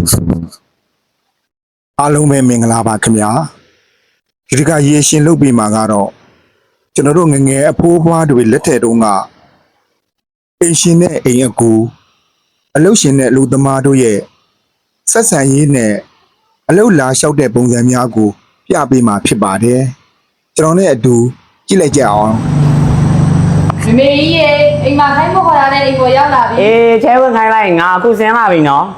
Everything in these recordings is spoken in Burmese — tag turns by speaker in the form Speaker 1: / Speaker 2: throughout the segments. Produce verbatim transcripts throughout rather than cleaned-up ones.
Speaker 1: အားလုံးပဲမင်္ဂလာပါခင်ဗျာဒီတကရေရှင်လုပ်ပြီးမှာကတော့ကျွန်တော်တို့ငငယ်အဖိုးဖွားတွေလက်ထက်တုန်းကအိမ်ရှင်နဲ့အိမ်အကူအလုပ်ရှင်နဲ့အလုပ်သမားတို့ရဲ့ဆက်ဆံရေးနဲ့အလုပ်လာလျှောက်တဲ့ပုံစံများကိုပြပေးမှာဖြစ်ပါတယ်ကျွန်တော်နဲ့အတူကြည့်လိုက်ကြအောင်
Speaker 2: မမေကြီးရေအိမ်မှာခိုင်းမခေါ်ရတဲ့အိမ်ကိုရောက်လာပြီ
Speaker 3: အေးချဲဝင်ခိုင်းလိုက်ငါအခုဆင်းလာပြီနော်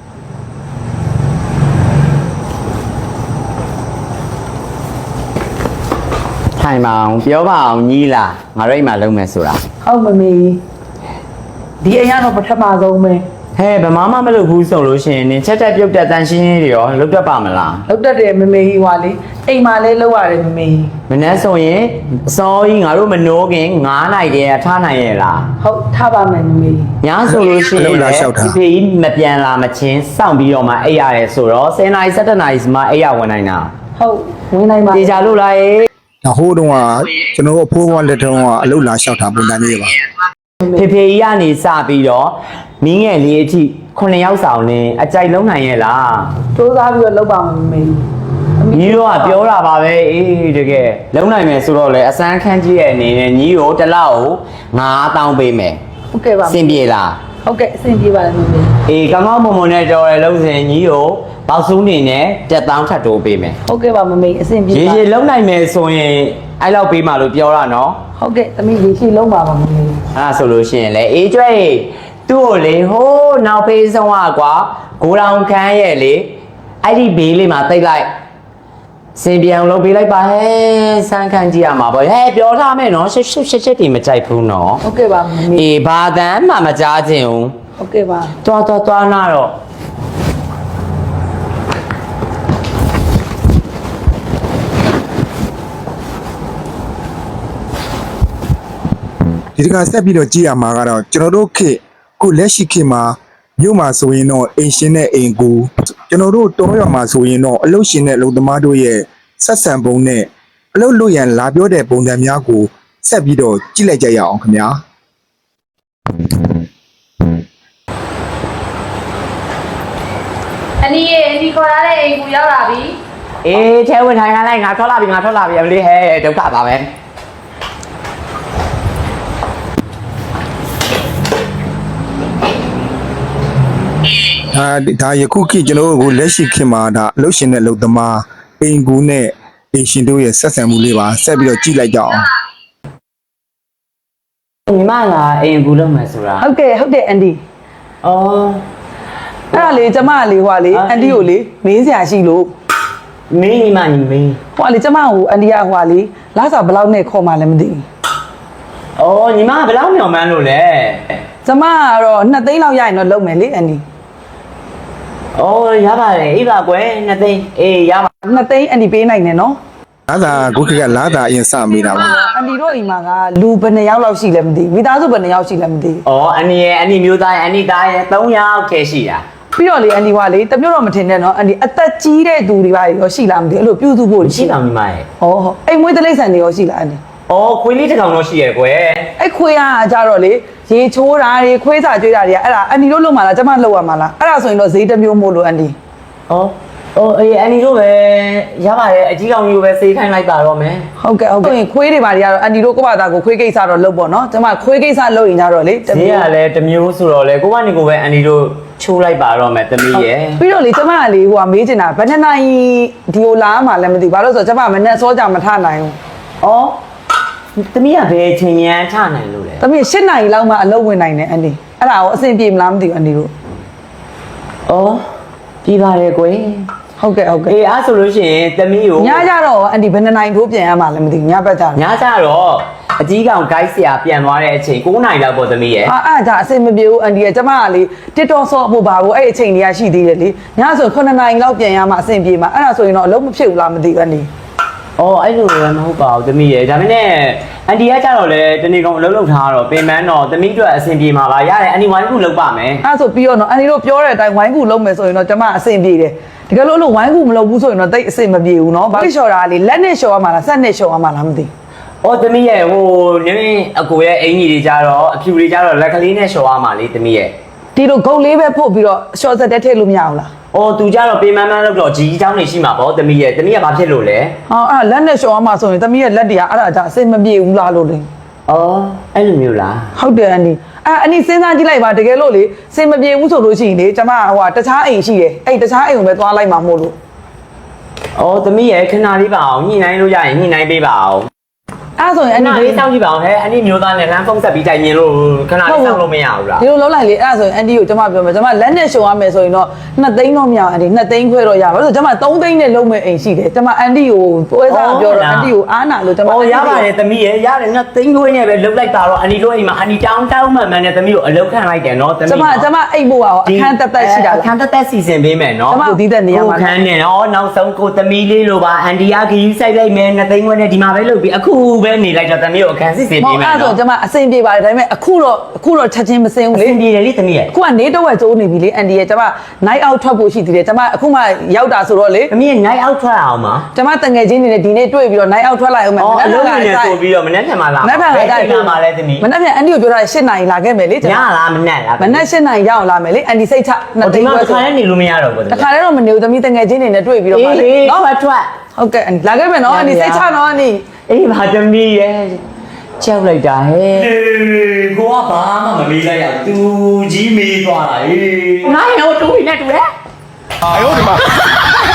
Speaker 3: ထိုင်ပါအောင်ပြောပါအောင်ညီးလားငါတို့အိမ်မှာလုံးမယ်ဆိုတာ
Speaker 4: ဟုတ်မမေဒီအိမ်ကတော့ပထမဆုံးပဲ
Speaker 3: ဟဲ့ဗမာမမလုပ်ဘူးဆိုလို့ရှိရင်နင်ချက်တက်ပြုတ်တက်တန်ရှင်းရှင်းတွေရောလုပ်တတ်ပါမလား
Speaker 4: လုပ်တတ်တယ်မမေကြီးဟွာလေအိမ်မှာလဲလုပ်ရတယ်မမေ
Speaker 3: မနေ့ဆိုရင်အစောကြီးငါတို့မနိုးခင်နွားနိုင်တယ်ထားနိုင်ရဲ့လား
Speaker 4: ဟုတ်ထားပါမယ်မမေ
Speaker 3: ညဆိုလို့ရှိရင်ဒီဖေးမပြန်လာမချင်းစောင့်ပြီးတော့မှအိပ်ရတယ်ဆိုတော့ဆယ်နာရီဆယ်တစ်နာရီမှအိပ်ရဝင်နိုင်တာ
Speaker 4: ဟုတ်ဝင်နိုင်ပါ
Speaker 3: တေချာလို့လားရေ
Speaker 1: ဟိုးတုန်းကကျွန်တော်အဖိုးဘွားလက်ထက်ကအလုပ်လာလျှောက်တာပုံစံမျိုးပါ
Speaker 3: ဖေဖေကြီးကနေစပြီးတော့မင်းငယ်လေးအထိခုနှစ်ယောက်ဆောင်နေအကြိုက်လုံးနိုင်ရဲ့လား
Speaker 4: စူးစမ်းပြီးတော့လုပ်ပါမယ်မမေ
Speaker 3: ညီတို့ကပြောတာပါပဲအေးတကယ်လုံးနိုင်မယ်ဆိုတော့လေအစမ်းခန်းကြီးရဲ့အနေနဲ့ညီကိုတစ်လောက်ငါးတောင်းပေးမယ်
Speaker 4: ဟုတ်ကဲ့ပါ
Speaker 3: အဆင်ပြေလား
Speaker 4: ဟုတ်ကဲ့အဆင်ပြေပါတယ်မမေ
Speaker 3: အေးကောင်းကောင်းမွန်မွန်နဲ့တော်ရလုံးစင်ညီကိုပေါက်စုံးနေနဲ့တက်တောင်းထပ်တိုးပေးမယ်
Speaker 4: ဟုတ်ကဲ့ပါမမေအဆင်ပြေပါ
Speaker 3: ရေရေလုံးနိုင်မယ်ဆိုရင်အဲ့လောက်ပေးမှလို့ပြောတာနော်
Speaker 4: ဟုတ်ကဲ့သမီးရေရှိလုံးပါပါမမေ
Speaker 3: အဲ့ဒါဆိုလို့ရှိရင်လေအေးကျွဲ့သူ့ကိုလေဟိုးနောက်ဖေးဆုံးอ่ะကွာဂိုးတောင်ခန်းရဲ့လေအဲ့ဒီဘေးလေးမှာတိတ်လိုက်စင်ပြောင်လုံးပေးလိုက်ပါဟဲ့စမ်းခန်းကြည့်ရမှာပေါ့ဟဲ့ပြောထားမယ်နော်ရှစ်ရှစ်ရှစ်ရှစ်တီမကြိုက်ဘူးနော်
Speaker 4: ဟုတ်ကဲ့ပါမမေ
Speaker 3: အေးဘာတမ်းမှမကြားခြင်းဘူး
Speaker 4: ဟုတ်ကဲ့ပါ
Speaker 3: တွားတွားတွားနာတော့
Speaker 1: ဒီတကဆက်ပြီးတော့ကြည့်ရမှာကတော့ကျွန်တော်တို့ခေတ်ခုလက်ရှိခေတ်မှာမြို့မှာဆိုရင်တော့အိမ်ရှင်နဲ့အိမ်ကူကျွန်တော်တို့တောရွာမှာဆိုရင်တော့အလုပ်ရှင်နဲ့အလုပ်သမားတို့ရဲ့ဆက်ဆံပုံနဲ့အလုပ်လုပ်ရန်လာပြောတဲ့ပုံစံများကိုဆက်ပြီးတော့ကြည့်လိုက်ကြရအောင်ခင်ဗျာ
Speaker 2: အနီးရေအနီးခေါ်ရတဲ့အိမ်ကိုရောက်လာပြီ
Speaker 3: အေးချဲဝင်ထိုင်ခိုင်းလိုက်ငါထွက်လာပြီငါထွက်လာပြီအမလေးဟဲ့ဒုက္ခပါပဲ
Speaker 1: ဒါဒါယခုခေတ်ကျွန်တော်တို့ကိုလက်ရှိခေတ်မှာဒါအလုပ်ရှင်နဲ့အလုပ်သမားအိမ်ကူနဲ့အိမ်ရှင်တို့ရဲ့ဆက်ဆံမှုလေးပါဆက်ပြီးတော့ကြည့်လိုက်ကြအောင်
Speaker 3: ညီမကအိမ်ကူလုပ်မယ်ဆိုတာ
Speaker 4: ဟုတ်ကဲ့ဟုတ်တယ်အန်ဒီ
Speaker 3: အော်
Speaker 4: အဲ့ဒါလေကျမလေးဟွာလေအန်ဒီကိုလေမင်းစရာရှိလို့
Speaker 3: မင်းညီမညီမင်း
Speaker 4: ဟွာလေကျမကိုအန်ဒီကဟွာလေလာစားဘယ်လောက်နဲ့ခေါ်မှလည်းမသိဘူး
Speaker 3: အော်ညီမကဘယ်လောက်မျှော်မှန်းလို့လဲ
Speaker 4: ကျမကတော့နှစ်သိန်းလောက်ရရင်တော့လုပ်မယ်လေအန်ဒီ
Speaker 3: အော်ရပါတယ်အေးပါကွယ်နှစ်သိန်းအေးရပါ
Speaker 4: နှစ်သိန်းအန်ဒီပေးနိုင်တယ်နော်
Speaker 1: လာသာခုခေတ်ကလာသာအရင်စမိတာပါ
Speaker 4: အန်ဒီတို့အိမ်မှာကလူဘယ်နှစ်ယောက်လောက်ရှိလဲမသိဘူးမိသားစုဘယ်နှစ်ယောက်ရှိလဲမသိဘူး
Speaker 3: အော်အန်ဒီရဲ့အန်ဒီမျိုးသားရဲ့အန်ဒီသားရဲ့သုံးယောက်ခဲရှိတာ
Speaker 4: ပြီးတော့လေအန်ဒီကလေတမျိုးတော့မထင်နဲ့နော်အန်ဒီအသက်ကြီးတဲ့သူတွေပါရောရှိလားမသိဘူးအဲ့လိုပြုစုဖို့
Speaker 3: ရှိလားမိမရဲ့
Speaker 4: ဟောဟုတ်အိမ်မွေးတလိမ့်ဆန်တွေရောရှိလားအန်ဒီ
Speaker 3: အော်ခွေးလေးတစ်ကောင်တော့ရှိရဲ့ကွယ်
Speaker 4: အဲ့ခွေးကကြတော့လေရေချိုးတာတွေခွေးစာကျွေးတာတွေကအဲ့ဒါအန်ဒီတို့လုပ်မှာလားကျမလုပ်ရမှာလားအဲ့ဒါဆိုရင်တော့ဈေးတစ်မျိုးမို့လို့အန်ဒီ
Speaker 3: အော်အော်အေးအန်ဒီတို့ပဲရပါတယ်အကြီးကောင်ကြီးကိုပဲစေးခိုင်းလိုက်ပါတော့မယ်
Speaker 4: ဟုတ်ကဲ့ဟုတ်ကဲ့ခွေးတွေပါတွေကတော့အန်ဒီတို့ကိုယ့်ဘာသာကိုခွေးကိစ္စတော့လုပ်ပေါ့နော်ကျမခွေးကိစ္စလုပ်ရင်ကြတော့လေ
Speaker 3: ဈေးကလည်းတစ်မျိုးဆိုတော့လေကိုကနေကိုပဲအန်ဒီတို့ချိုးလိုက်ပါတော့မယ်တမီးရဲ့
Speaker 4: ပြီးတော့လေကျမကလေဟိုကမေးချင်တာဘယ်နှစ်နိုင်ဒီကိုလာမှလည်းမသိဘူးဘာလို့ဆိုတော့ကျမမနဲ့စောကြမထနိုင်ဘူး
Speaker 3: အော်တမီးကဘယ်ချိန်မြန်ထနိုင်လို့လဲ
Speaker 4: တမီး၈နိုင်လောက်မှအလုပ်ဝင်နိုင်တယ်အန်ဒီအဲ့ဒါကိုအဆင်ပြေမလားမသိဘူးအန်ဒီတို့
Speaker 3: အော်ပြီးပါတယ်ကွယ်
Speaker 4: ဟုတ်ကဲ့ဟုတ်ကဲ့
Speaker 3: အေးအားဆိုလို့ရှိရင်တမီးကို
Speaker 4: ညကြတော့အန်ဒီဘယ်နှစ်နိုင်ထိုးပြန်ရမှာလဲမသိဘူးညဘက်ကြတော့
Speaker 3: ညကြတော့အကြီးကောင် guide ဆရာပြန်သွားတဲ့အချိန်၉နိုင်လောက်ပေါ့တမီးရဲ့
Speaker 4: ဟာအဲ့ဒါအဆင်မပြေဘူးအန်ဒီကကျမကလေ TikTok ဆော့ဖို့ပါဘူးအဲ့အချိန်တွေကရှိသေးတယ်လေညဆိုခုနှစ်နိုင်လောက်ပြန်ရမှာအဆင်ပြေမှာအဲ့ဒါဆိုရင်တော့အလုပ်မဖြစ်ဘူးလားမသိဘူးအန်ဒီ
Speaker 3: အော်အဲ့လိုလည်းမဟုတ်ပါဘူးတမီးရဲ့ဒါပေမဲ့အန်ဒီကကြတော့လေတနေ့ကောင်အလုပ်လုပ်ထားတော့ပင်မန်းတော့တမီးတို့အဆင်ပြေမှာပါရတယ်အန်ဒီဝိုင်းကူလုပ်ပါမယ်
Speaker 4: အဲ့ဆိုပြီးတော့နော်အန်ဒီတို့ပြောတဲ့အတိုင်းဝိုင်းကူလုပ်မယ်ဆိုရင်တော့ကျမအဆင်ပြေတယ်တကယ်လို့အဲ့လိုဝိုင်းကူမလုပ်ဘူးဆိုရင်တော့တိတ်အဆင်မပြေဘူးနော်ဘာလို့လျှော်တာလေလက်နဲ့လျှော်ရမှာလားဆက်နဲ့လျှော်ရမှာလားမသိ
Speaker 3: အော်တမီးရဲ့ဟိုနင်းအကိုရဲ့အင်ကြီးတွေကြတော့အဖြူတွေကြတော့လက်ကလေးနဲ့လျှော်ရမှာလေတမီးရဲ့
Speaker 4: ဒီဒီလိုဂုတ်လေးပဲဖို့ပြီးတော့ short set တက်ထည့်လို့မရဘူးလား
Speaker 3: အော်သူကြတော့ပေးမန်းမန်းလို့တော့ကြီးเจ้าနေရှိမှာပေါ့တမီးရဲ့တမီးကဘာဖြစ်လို့လဲ
Speaker 4: ဟောအဲ့လက်နဲ့လျှော်အောင်မှာဆိုရင်သမီးရဲ့လက်တွေကအဲ့ဒါကြောင့်အစိမ့်မပြေဘူးလားလို့လေ
Speaker 3: အော်အဲ့လိုမျိုးလား
Speaker 4: ဟုတ်တယ်အန်ဒီအဲ့အန်ဒီစဉ်းစားကြည့်လိုက်ပါတကယ်လို့လေစင်မပြေဘူးဆိုလို့ရှိရင်လေကျမဟိုဟာတခြားအိမ်ရှိတယ်အဲ့တခြားအိမ်ကိုပဲသွားလိုက်မှာမို့လို့
Speaker 3: အော်တမီးရဲ့ခဏလေးပါအောင်ညှိနှိုင်းလို့ရရင်ညှိနှိုင်းပေးပါအောင်
Speaker 4: အဲ့ဆိုရင်အန်ဒီ
Speaker 3: လေးစောင့်ကြည့်ပါအောင်ဟဲ့အန်ဒီမျိုးသားနဲ့လမ်းဖုန်းဆက်ပြီးတိုင်မြင်လို့ခဏလေးစောင့်လို့မရဘူးလား
Speaker 4: ဒီလိုလုံးလိုက်လေအဲ့ဆိုရင်အန်ဒီကိုကျမပြောမယ်ကျမလက်နဲ့ရှုံရမယ်ဆိုရင်တော့နှစ်သိန်းတော့မရအောင်အန်ဒီနှစ်သိန်းခွဲတော့ရပါလို့ဆိုကျမသုံးသိန်းနဲ့လုံးမဲ့အိမ်ရှိတယ်ကျမအန်ဒီကိုပွဲစားပြောတော့အန်ဒီကိုအားနာလို့ကျမ
Speaker 3: အော်ရပါတယ်တမီးရဲ့ရတယ်နော်သိန်းခွေးနဲ့ပဲလုတ်လိုက်တာတော့အန်ဒီတို့အိမ်မှာအန်ဒီတောင်းတောင်းမှန်မှန်နဲ့တမီးကိုအလုတ်ခံလိုက်တယ်နော်တမီး
Speaker 4: ကျမကျမအိမ်ဖို့ရောအခန်းတက်တက်ရှိတာ
Speaker 3: အခန်းတက်တက်စီစဉ်ပေးမယ်နော်
Speaker 4: ကျမကိုတီးတဲ့နေရာမှာ
Speaker 3: ခန်းနဲ့နော်နောက်ဆုံးကိုတမီးလေးလိုပါအန်ဒီကခရီးဆိုင်လိုက်မယ်နှစ်သိန်းခွေးနဲ့ဒီမှာပဲလုတ်ပြီးအခုပဲနေလိုက်တော့တမီးကိုအခန်းစီစဉ်
Speaker 4: မ
Speaker 3: ပေး
Speaker 4: ဟုတ်
Speaker 3: မယ်
Speaker 4: အဲ့ဆို
Speaker 3: နော်
Speaker 4: ကျမအစိမ့်ပြေပါတယ်ဒါပေမဲ့အခုတော့အခုတော့ချက်ချင်းမစင်းဘူး
Speaker 3: လေ
Speaker 4: လေ
Speaker 3: ဒီလေလေးတမီးရဲ့
Speaker 4: အခုကနေတော့ဝက်ကျိုးနေပြီလေအန်ဒီရဲ့ကျမ night out ထွက်ဖို့ရှိသေးတယ်ကျမအခုမှရောက်တာဆိုတော့လေ
Speaker 3: တမီးရဲ့ night out ထွက်အောင်ပါ
Speaker 4: ကျမတငယ်ချင်းနေနဲ့ဒီနေ့တွေ့ပြီးတော့ night out ထွက်လိုက်အောင်မယ်
Speaker 3: အော်အလုံး
Speaker 4: က
Speaker 3: နဲ့ဆိုပြီးတော့မနေ့ကမှလာ
Speaker 4: မနေ့ကလည်း
Speaker 3: လာမှာလဲတမီး
Speaker 4: မနေ့ကအန်ဒီကိုပြောတာ၈နာရီလာခဲ့မယ်လေကျ
Speaker 3: ည
Speaker 4: မ
Speaker 3: လားမနေ့လား
Speaker 4: မနေ့၈နာရီရအောင်လာမယ်လေအန်ဒီစိတ်ချနှစ်
Speaker 3: ဒီ
Speaker 4: သိန်း
Speaker 3: မှာ
Speaker 4: ခွဲ
Speaker 3: တစ်
Speaker 4: ဆို
Speaker 3: ခါလည်းနေလို့မရတော့ဘူးတ
Speaker 4: တခါတည်းတော့မနေဘူးသမီးတငယ်ချင်းနေနဲ့တွေ့ပြီးတော့
Speaker 3: အေး
Speaker 4: ပါလေ
Speaker 3: လေ
Speaker 4: နော်
Speaker 3: ထွက်ထွက်
Speaker 4: ဟုတ်ကဲ့အန်ဒီလာခဲ့မယ်နော်အန်ဒီစိတ်ချနော်အန်ဒီ
Speaker 3: အေးပါတမီးရဲ့ကြောက်လိုက်တာဟဲ့အေးကိုကဘာမှမမေးလိုက်ရသူကြီးမေးသွားတာအေးငါရောတူနေတူတယ်
Speaker 1: 哎呦我的妈！